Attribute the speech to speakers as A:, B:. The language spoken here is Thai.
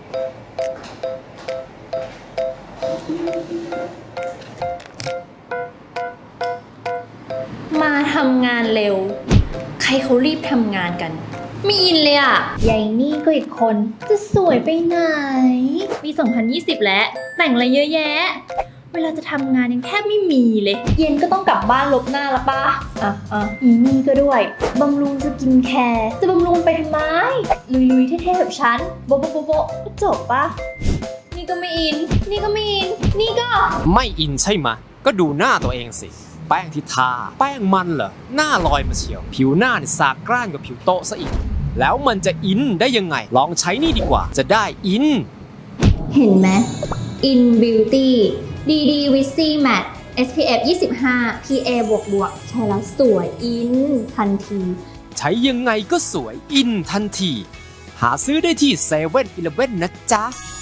A: มาทำงานเร็วใครเขารีบทำงานกันไม่อินเลยอ่ะยายนี่ก็อีกคนจะสวยไปไหนปี2020แล้วแต่งอะไรเยอะแยะเวลาจะทำงานยังแทบไม่มีเลยเย็นก็ต้องกลับบ้านลบหน้าละป่ะอีนี่ก็ด้วยบำรุงสกินแคร์จะบำรุงไปทำไมลุยๆเท่ๆแบบฉันโบะโบะโบะโบะจบป่ะนี่ก็ไม่อินนี่ก็ไม่อินนี่ก็
B: ไม่อินใช่ไหมก็ดูหน้าตัวเองสิแป้งที่ทาแป้งมันเหรอหน้าลอยมาเฉียวผิวหน้าเนี่ยสากกร้านกับผิวโต๊ะซะอีกแล้วมันจะอินได้ยังไงลองใช้นี่ดีกว่าจะได้อิน
A: เห็นไหม In Beauty DD Wizzy Matte SPF 25 PA บวกใช้แล้วสวยอินทันที
B: ใช้ยังไงก็สวยอินทันทีหาซื้อได้ที่7-11นะจ๊ะ